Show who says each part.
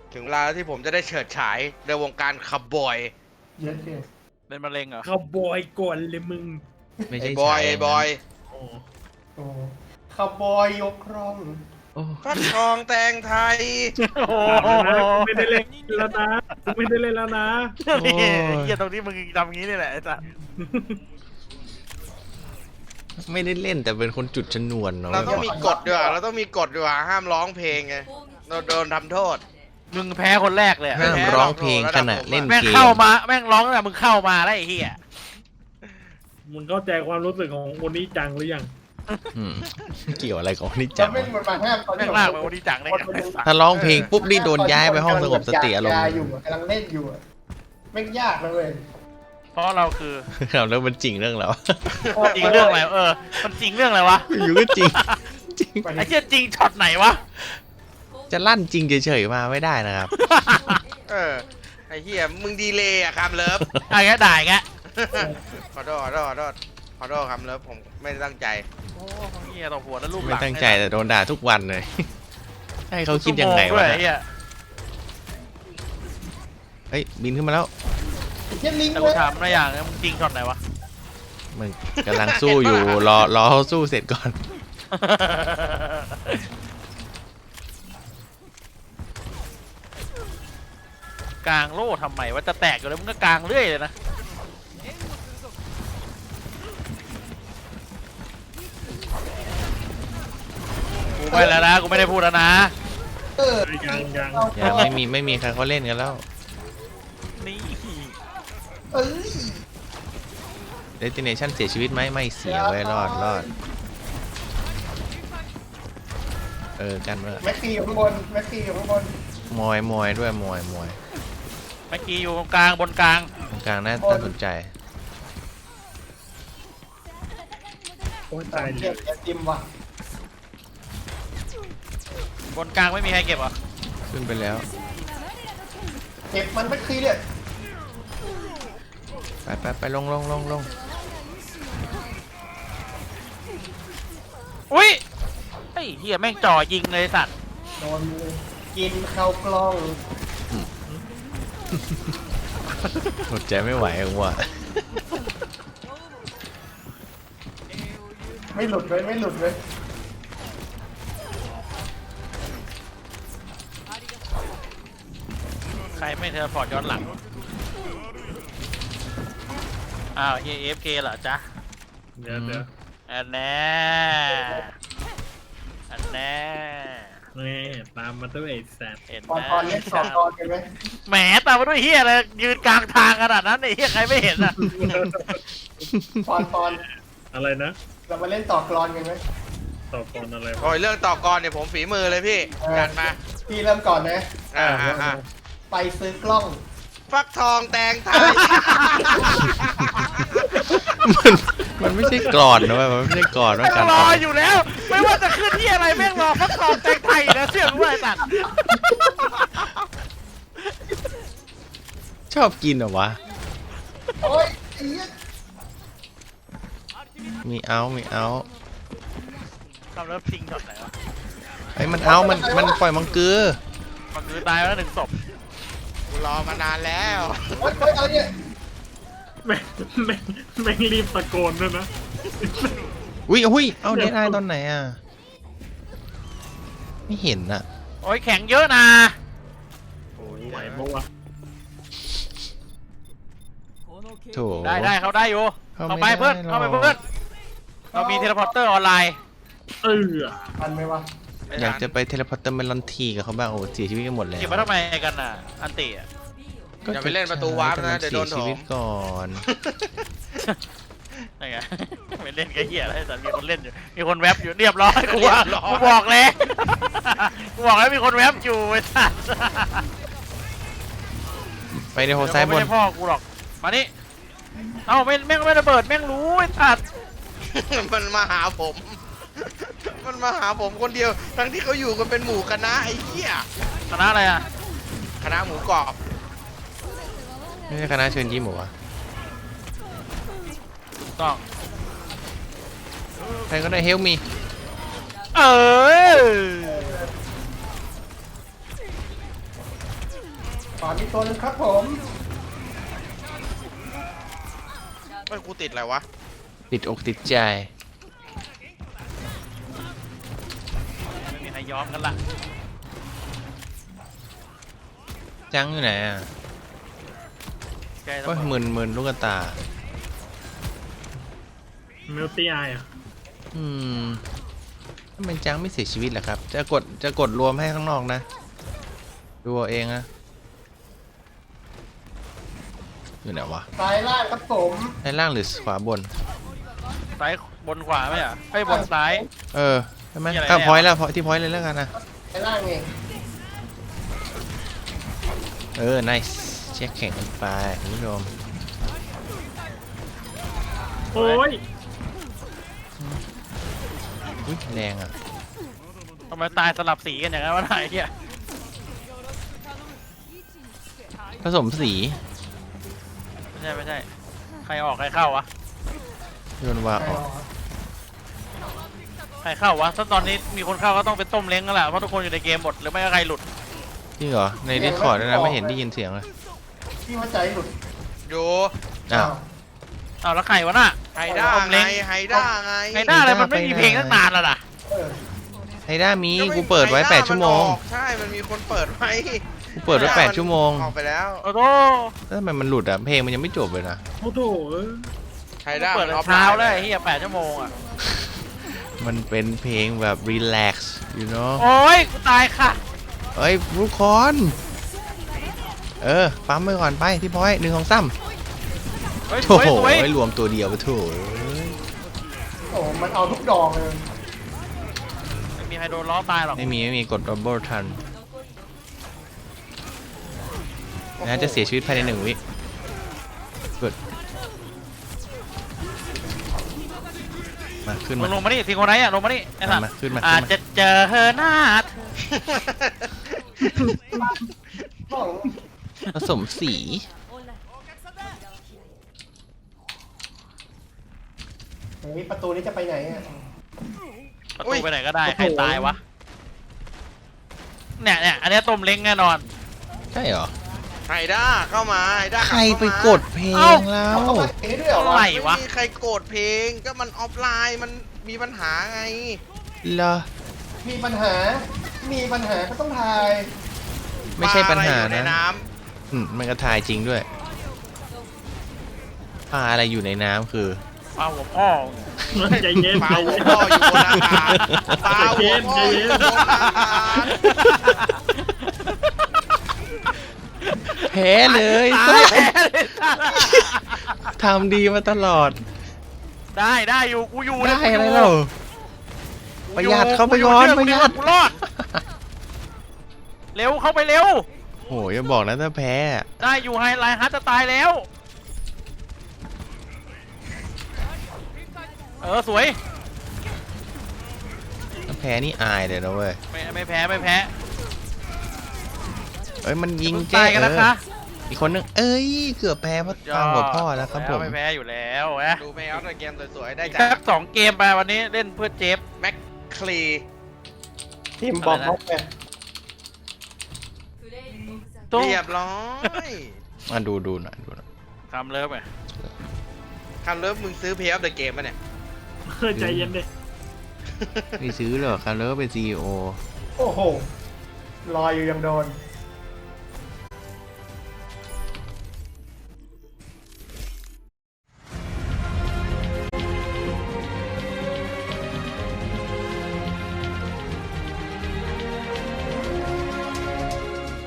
Speaker 1: ถึงเวลาที่ผมจะได้เฉิดฉายในวงการขับบอย
Speaker 2: เยอะเกิน
Speaker 3: เป็นมะเร็งเหรอ
Speaker 4: เขาบอยก่อนเลยมึง
Speaker 5: ไม่
Speaker 1: ไอ้
Speaker 5: ใช่
Speaker 1: บอย
Speaker 5: ฉาย
Speaker 1: ไอ้บอย
Speaker 4: โอ้
Speaker 2: โอ้คาวบอยยกครอง
Speaker 5: โอ้
Speaker 1: ฟักทองแตงไทย
Speaker 3: โอ้
Speaker 4: ไม่ได้เล่นแล้วนะไม่ได้เล่นแล้วนะ
Speaker 3: นี่เหี้ยตรงนี้มึงทำอย่างนี้นี่แหละไอ้สัส
Speaker 5: ไม่ได้เล่นแต่เป็นคนจุดชนวนเนาะ
Speaker 1: เราต้องมีกฎด้วยเราต้องมีกฎด้วยห้ามร้องเพลงไงเราโดนทำโทษ
Speaker 3: มึงแพ้คนแรกเลยอะ
Speaker 5: ห้ามร้องเพลงขณะเล่น
Speaker 3: แม่ง
Speaker 5: เกม
Speaker 3: เข้ามาแม่งร้องตั้งแต่มึงเข้ามาแล้วไอ้เหี้ย
Speaker 4: มึงเข้าใจความรู้สึกของคนนี้จังหรือยัง
Speaker 5: อืมเกี่ยวอะไรกับนี่
Speaker 2: จะ
Speaker 5: จัง
Speaker 2: ไม่
Speaker 5: วะ
Speaker 2: มันมาห้ามตอน
Speaker 3: แม่งลากไปวันนี้จังได้ไงไอ้สัส
Speaker 5: ถ้าร้องเพลงปุ๊บนี่โดนย้ายไปห้องสงบสติอารมณ์
Speaker 2: ยอยู่กำลังเล่นอยู่อะแม่งยากนะเว้ย
Speaker 3: เพราะเราคือ
Speaker 5: ครับแล้วมันจริงเรื่องแล้ว
Speaker 3: จริงเรื่องอะไรมันจริงเรื่องอะไรวะ
Speaker 5: อยู่ก็จริงจริง
Speaker 3: ไอ้เหี้ยจริงช็อตไหนวะ
Speaker 5: จะลั่นจริงเฉยๆมาไม่ได้นะครับ
Speaker 1: ไอ้เหี้ยมึงดีเลยอะคำเลิฟ
Speaker 3: ไอ้แกด่าแก
Speaker 1: ขอโทษคำเลิฟผมไม่ได้ตั้งใจ
Speaker 3: โอ้เหี้ยต่อหัวแล้วลูกห
Speaker 5: ไม่
Speaker 3: ลัง
Speaker 5: ตั้งใจแต่โดนด่าทุกวันเลย ให้เขาคิดยังไง
Speaker 3: ชั่โม
Speaker 5: วะ
Speaker 3: ด้ยไอ้เหี้ย
Speaker 5: เฮ้ยบินขึ้นมาแล้ว
Speaker 2: เหี้ยลิง
Speaker 3: แต่
Speaker 2: เว้
Speaker 3: กู
Speaker 2: ย
Speaker 3: ถามนะอย่างนึงมึงจริงช็อตไหนวะ
Speaker 5: มึงกำลังสู้อยู่รอเขาสู้เสร็จก่อน
Speaker 3: กลางโล่ทำไมว่าจะแตกอยู่แล้วมึงก็กลางเรื่อยเลยนะกูไปแล้วนะกูไม่ได้พูดแล้วนะ
Speaker 2: เออ
Speaker 4: ยัง
Speaker 5: ไม่มีใครเขาเล่นกันแล้ว
Speaker 3: นี่
Speaker 2: เอ้ย
Speaker 5: Destination เสียชีวิตไหมไม่เสียไว้ยรอดกันเมื่อ
Speaker 2: แม็กซี่อยู่ข้างบนแม็กซี่อยู่ข้างบน
Speaker 5: มอยด้วยมอย
Speaker 3: เมื่อกี้อยู่ตรงกลางบนกลาง
Speaker 5: ตรงกลางน่าสนใจ
Speaker 4: โอ้ยตาย
Speaker 2: เก็บแกจิมว่ะ
Speaker 3: บนกลางไม่มีใครเก็บเหรอ
Speaker 5: ขึ้นไปแล้ว
Speaker 2: เก็บมันแม็กซี่เนี่ย
Speaker 5: ไปลง
Speaker 3: อุ้ยไอ้เหี้ยแม่งจ่อยิงเลยสัตว์
Speaker 2: โดนกินเข้ากล้อง
Speaker 5: หมดใจไม่ไหวว่ะ
Speaker 2: ไม่หลุดเลยไม่หลุดเลย
Speaker 3: ใครไม่เทเลพอร์ตย้อนหลังอ้าวเฮีย AFK เหรอจ๊ะ
Speaker 4: เดี๋ยว
Speaker 3: อันแน่อันแน่
Speaker 4: นี่ตามมาด้วยไอ้แซด
Speaker 3: เห็น
Speaker 2: ตอน
Speaker 3: นะ
Speaker 2: ตอนเล่น2 ตอนกันไหม
Speaker 3: แหมตามมาด้วยเฮียเลยยืนกลางทางขนาดนั้นไอ้เฮียใครไม่เห็นอ่ะ
Speaker 2: ตอน
Speaker 4: อะไรนะ
Speaker 2: เรามาเล่นต่อกรอนกันไหม
Speaker 4: ต่อก่อนอะไร
Speaker 1: โอ้ยเรื่องต่อกรเนี่ยผมฝีมือเลยพี่จัดมา
Speaker 2: พี่เริ่มก่อนนะ
Speaker 1: อ่า
Speaker 2: ไปซื้อกล้อง
Speaker 1: ฟักทองแตงไทย
Speaker 5: มันไม่ใช่กรอนนะเว้ยมันไม่ใช่กรอนว่า
Speaker 3: แม่ง
Speaker 5: การ
Speaker 3: รอ
Speaker 5: ต่อ
Speaker 3: อยู่แล้ว ไม่ว่าจะขึ้นที่อะไรแม่งรอฟักทองแตงไทยนะเชื่อกูไอ้สัตว์
Speaker 5: ชอบกินเหรอวะ
Speaker 2: โอ้ยไอ้เหี้ย
Speaker 5: มีเอา
Speaker 3: ทำแล้วจริงช็อตไหนวะ
Speaker 5: ไอ้มันมันปล่อยมังกือ
Speaker 3: มันคือตายแล้ว1 ศพ
Speaker 1: กูรอมานานแล้ว
Speaker 2: โอ๊ยอะไรเนี่ย
Speaker 4: แม่งรีบตะโกนด้วยนะ
Speaker 5: อุ้ยเอาเดนไอตอนไหนอ่ะ ไม่เห็นอ่ะ
Speaker 3: โอ้ยแข็งเยอะนะ
Speaker 4: ไหวปะวะ
Speaker 5: โถ
Speaker 3: ได้เขาได้อยู่
Speaker 5: เข้า
Speaker 3: เข้า
Speaker 5: ไม่
Speaker 3: ไปเพื่อน
Speaker 5: ได้หรอก
Speaker 3: เข้าไปเพื่อนเรามีเทเลพอร์เตอร์ออนไลน์
Speaker 2: ทันไหมวะ
Speaker 5: อยากจะไปเทเลพอร์ตเตอร์เมลอนทีกับเขาบ้างโอ้เสียชีวิตกันหมดแล้ว
Speaker 3: เก็บไว้ทำไมกันน่ะอันติอ่ะ
Speaker 1: อย่าไปเล่นประตูวาร์ปนะเดี๋ยวโดน
Speaker 5: เสียชีวิต
Speaker 1: ถม
Speaker 5: ก่อน
Speaker 3: ไง ไม่เล่นก็เหี้ยแล้วแต่มีคนเล่นอยู่มีคนแวบอยู่เรียบร้อยกูว่ากูบอกแล้ว กูบอกแล้วมีคนแวบอยู่ไอ้สัส
Speaker 5: ไปในโฮซ้ายบ
Speaker 3: ไม่
Speaker 5: น
Speaker 3: ใช่พ่อกูหรอกมานี่เอ้าแม่งไม่ระเบิดแม่งรู้ไอ้สัส
Speaker 1: มันมาหาผม มันมาหาผมคนเดียว ทั้งที่เขาอยู่กันเป็นหมู่คณะไอ้เหี้ย
Speaker 3: คณะอะไรอ่ะ
Speaker 1: คณะหมูกรอบ
Speaker 5: ไม่ใช่คณะเชิญยิ้มเหรอวะ
Speaker 3: ถูกต้อง
Speaker 5: ใครก็ได้เฮลมี
Speaker 3: เออ
Speaker 2: ขวามีตัวนึงครับผม
Speaker 1: ไม่กูติดอะไรวะ
Speaker 5: ติดอกติดใจ
Speaker 3: ไม่มีใครยอมกันละ
Speaker 5: จังอยู่ไหนอ่ะ
Speaker 3: ใจ
Speaker 5: โอ้ยมึนลูกตา
Speaker 4: เมลตี้ไออ่ะ
Speaker 5: ทำไมจังไม่เสียชีวิตล่ะครับ จะกดรวมให้ข้างนอกนะ ดูเอาเองนะอยู่ไหนวะ
Speaker 2: ซ้ายล่างครับผม
Speaker 5: ด้านล่างหรือขวาบน
Speaker 3: ซ้ายบนขวาไหมอ่ะไอ้ยบนซ้าย
Speaker 5: ใช่ไหม
Speaker 3: มีอะไร
Speaker 5: ข้าม
Speaker 3: แน่
Speaker 5: พอยต์แล้วที่พอยต์เลยแล้วกันนะ
Speaker 2: ซ้ายล่างเอง
Speaker 5: nice เช็คแข่งกันไปคุณผู้ชม
Speaker 4: โอ้ย
Speaker 5: อุ้ยแรงอ่ะ
Speaker 3: ทำไมตายสลับสีกันอย่างนั้นวะนายเฮีย
Speaker 5: ผสมสี
Speaker 3: ไม่ใช่ใครออกใครเข้าวะ
Speaker 5: โยนวาออก
Speaker 3: ใครเข้าวะถ้าตอนนี้มีคนเข้าก็ต้องเป็นต้มเล้งกันแหละเพราะทุกคนอยู่ในเกมหมดหรือไม่ก็ใครหลุด
Speaker 5: จริงเหรอ ในดิสคอร์ดด้วยนะไม่เห็นได้ยินเสียงเลย
Speaker 2: พี่ว่าใจหลุด
Speaker 1: อยู่
Speaker 5: อ้าว
Speaker 3: เอาแล้วใครวะน่ะ
Speaker 1: ไฮด้า
Speaker 3: ต้ม
Speaker 1: ไง
Speaker 3: เล้ง
Speaker 1: ไฮด้าไง
Speaker 3: ไฮด้าอะไรมันไม่มีเพลงตั้งนานแล้วนะ
Speaker 2: เออ
Speaker 5: ไฮด้ามี
Speaker 1: ก็ไม่
Speaker 5: กูเปิดไว้
Speaker 1: ฮด้า
Speaker 5: 8 ชั่วโมง
Speaker 1: นออกใช่ มันมีคนเปิดไว้
Speaker 5: กูเปิดไว้ 8 ชั่วโมง
Speaker 1: ออกไปแล้ว
Speaker 3: โอ้โห
Speaker 5: แล้วทำไมมันหลุดอ่ะ เพลงมันยังไม่จบเลยนะ
Speaker 4: โอ้โห
Speaker 1: ไฮด้า
Speaker 3: เปิด
Speaker 1: มันออฟ
Speaker 3: เช้า
Speaker 1: ไลน์
Speaker 3: เลยเฮีย8 ชั่วโมงอ่ะ
Speaker 5: มันเป็นเพลงแบบ relax you know
Speaker 3: โอ้ยกูตายค่ะ
Speaker 5: เอ้ยทุกคนปั๊มไปก่อนไปที่พอยต์1 2 3
Speaker 3: เฮ้ยส
Speaker 5: โถ่
Speaker 3: วยสวย
Speaker 5: รวมตัวเดียวปะโถ่
Speaker 2: โอ้มันเอาทุกดอกเลย
Speaker 3: ไม่มีใครโดนล้อตายหรอก
Speaker 5: ไม่มีกด double ทันนะจะเสียชีวิตภายใน1 วิกดมาขึ้น
Speaker 3: มึ
Speaker 5: มาง
Speaker 3: ลงมานี่ทีคนไหนอ่ะลงมานี่ไอ้สัตว์
Speaker 5: มาขึ้นมา
Speaker 3: อาจจะเจอหน้าเธอ
Speaker 2: ต้อง
Speaker 5: ผสมสี
Speaker 2: เฮ้ยประตูนี้จะไปไหนอ่ะ
Speaker 3: ประตูไปไหนก็ได้ใครตายวะเนี่ยอันเนี้ยต้มเล้งแน่นอน
Speaker 5: ใช่เหรอ
Speaker 1: ไฮด้าเข้ามาไฮด้า
Speaker 5: ใครไปกดเพลงแล้ว
Speaker 2: เอาเข้ามาเอ๊ะด้วยเหรอ
Speaker 3: อะไร
Speaker 1: ไม่
Speaker 3: วะ
Speaker 1: มีใครกดเพลง ก็มันออฟไลน์ มันมีปัญหาไง
Speaker 5: เหรอ
Speaker 2: มีปัญหาก็ต้องทาย
Speaker 5: ไม่ใช่ปัญหา
Speaker 1: ปลอะไรอยู่ใน
Speaker 5: นะ
Speaker 1: น้
Speaker 5: มันก็ทายจริงด้วยปลาอะไรอยู่ในน้ำคือ
Speaker 3: ปลาหัวพ่อ
Speaker 4: ใจเย็น
Speaker 1: ำปลา
Speaker 4: ใจ
Speaker 1: หัว
Speaker 4: เย็น
Speaker 1: พ่ออยู่บนอากาศปลาหัวพ่ออยู่บนอากาศ
Speaker 5: แพ้เลย
Speaker 3: ตายแพ้เลย
Speaker 5: ทำดีมาตลอด
Speaker 3: ได้อยู่กูอยู่
Speaker 5: ได้
Speaker 3: กู
Speaker 5: อะไร
Speaker 3: ยู่
Speaker 5: เราประหยัดเข้าไปก่อน
Speaker 3: กู
Speaker 5: ประหยัด
Speaker 3: กูรอดเร็วเข้าไปเร็ว
Speaker 5: โหอย่าบอกนะถ้าแพ้อะ
Speaker 3: ได้อยู่ไฮไลท์ฮัทจะตายแล้วสวย
Speaker 5: ถ้าแพ้นี่อายเลยนะเว้ย
Speaker 3: ไม่แพ้
Speaker 5: เอ้ยมันยิง
Speaker 3: ตายกัน
Speaker 5: เอ
Speaker 3: นะคะ
Speaker 5: อีกคนนึงเอ้ยเกือบแพ้เพราะตามหัวพ่อแล้วครับผม
Speaker 3: ไม่แพ้อยู่แล้วนะ
Speaker 1: ดูไม่เอาแต่เกมสวยๆ ได้
Speaker 3: อีก
Speaker 1: จาก
Speaker 3: สัก2 เกมไปวันนี้เล่นเพื่อเจฟ
Speaker 1: แม็กคลี
Speaker 2: ทีมบอมเขาไป
Speaker 3: ตู้
Speaker 1: เรียบร้อย
Speaker 5: ดูหน่อย
Speaker 3: คำเลิฟไง
Speaker 1: คำเลิฟมึงซื้อเพย์ออฟเดอะเกมป่ะเนี่ย
Speaker 4: ใจเย็นดิ
Speaker 5: ไม่ซื้อหรอกคาร์เลอร์เป็น CEO
Speaker 2: โอ้โหลอยอยู่ยังโดน